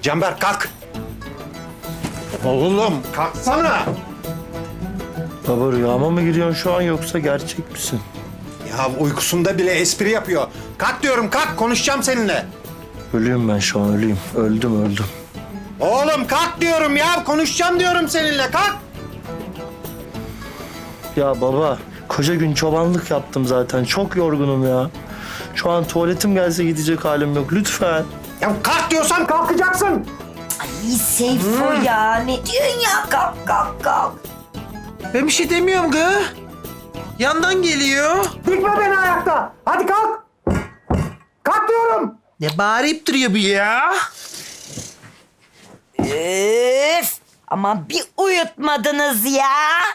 Canberk kalk. Oğlum kalksana. Baba rüyama mı giriyorsun şu an yoksa gerçek misin? Ya uykusunda bile espri yapıyor. Kalk diyorum kalk konuşacağım seninle. Ölüyüm ben şu an ölüyüm. Öldüm. Oğlum kalk diyorum ya konuşacağım diyorum seninle kalk. Ya baba koca gün çobanlık yaptım zaten. Çok yorgunum ya. Şu an tuvaletim gelse gidecek halim yok. Lütfen. Ya kalk diyorsam kalkacaksın. Ay Seyfo ya ne diyorsun ya? Kalk. Ben bir şey demiyorum kız. Yandan geliyor. Dikme beni ayakta. Hadi kalk. Kalk diyorum. Ne bağırıp duruyor bu ya? Üf! Ama bir uyutmadınız ya.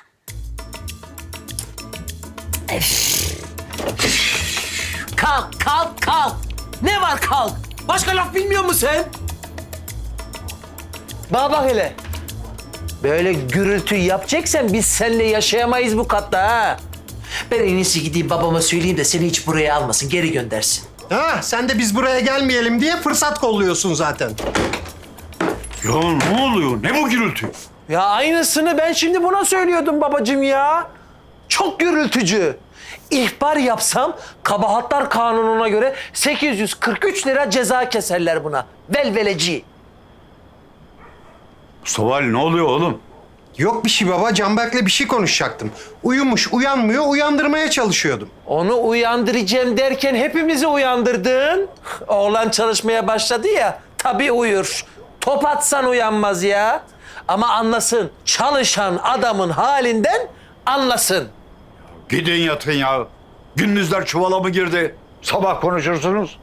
Kalk. Ne var kalk? Başka laf bilmiyor musun sen? Bana bak hele. Böyle gürültü yapacaksan biz seninle yaşayamayız bu katta ha. Ben en iyisi gideyim babama söyleyeyim de seni hiç buraya almasın, geri göndersin. Ha sen de biz buraya gelmeyelim diye fırsat kolluyorsun zaten. Ya ne oluyor? Ne bu gürültü? Ya aynısını ben şimdi buna söylüyordum babacığım ya. Çok gürültücü. İhbar yapsam kabahatlar kanununa göre 843 lira ceza keserler buna. Velveleci. Mustafa Ali ne oluyor oğlum? Yok bir şey baba Canberk'le bir şey konuşacaktım. Uyumuş uyanmıyor uyandırmaya çalışıyordum. Onu uyandıracağım derken hepimizi uyandırdın. Oğlan çalışmaya başladı ya, tabii uyur. Top atsan uyanmaz ya. Ama anlasın, çalışan adamın halinden anlasın. Gidin yatın ya. Gündüzler çuvala mı girdi? Sabah konuşursunuz.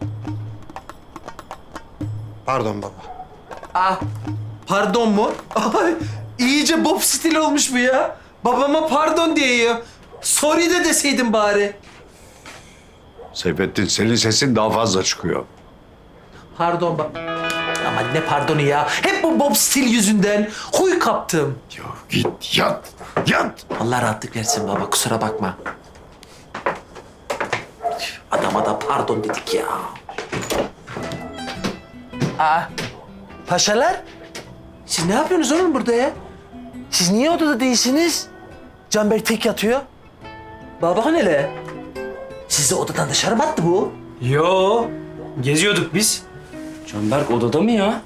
Pardon baba. Ah, pardon mu? Ay, iyice Bob stil olmuş bu ya. Babama pardon diyor. Sorry de deseydin bari. Seyfettin senin sesin daha fazla çıkıyor. Pardon bak. Ama ne pardonu ya? Hep bu Bob stil yüzünden huy kaptım. Ya git yat. Allah rahatlık versin baba, kusura bakma. Adama da pardon dedik ya. Aa, paşalar. Siz ne yapıyorsunuz oğlum burada ya? Siz niye odada değilsiniz? Canberk tek yatıyor. Bana bakın hele. Sizi odadan dışarı mı attı bu? Yo, geziyorduk biz. Canberk odada mı ya?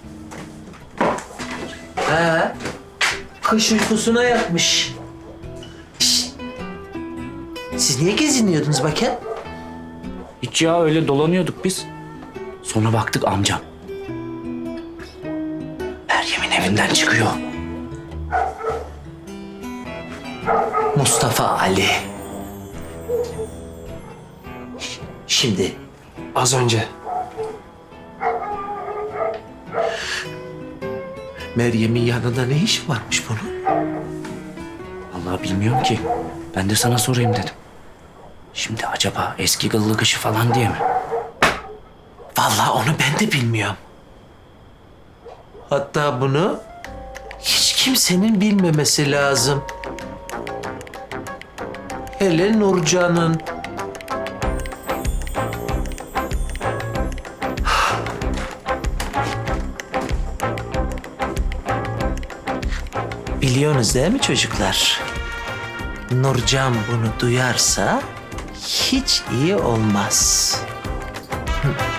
He. Kış uykusuna yatmış. Şişt. Siz niye geziniyordunuz bakayım? Hiç ya öyle dolanıyorduk biz. Sonra baktık amcam. Meryem'in evinden çıkıyor. Mustafa Ali. Şimdi Az önce. Meryem'in yanında ne işi varmış bunun? Vallahi bilmiyorum ki. Ben de sana sorayım dedim. Şimdi acaba eski kıllı kışı falan diye mi? Vallahi onu ben de bilmiyorum. Hatta bunu hiç kimsenin bilmemesi lazım. Hele Nurcan'ın. Biliyorsunuz değil mi çocuklar? Nurcan bunu duyarsa hiç iyi olmaz.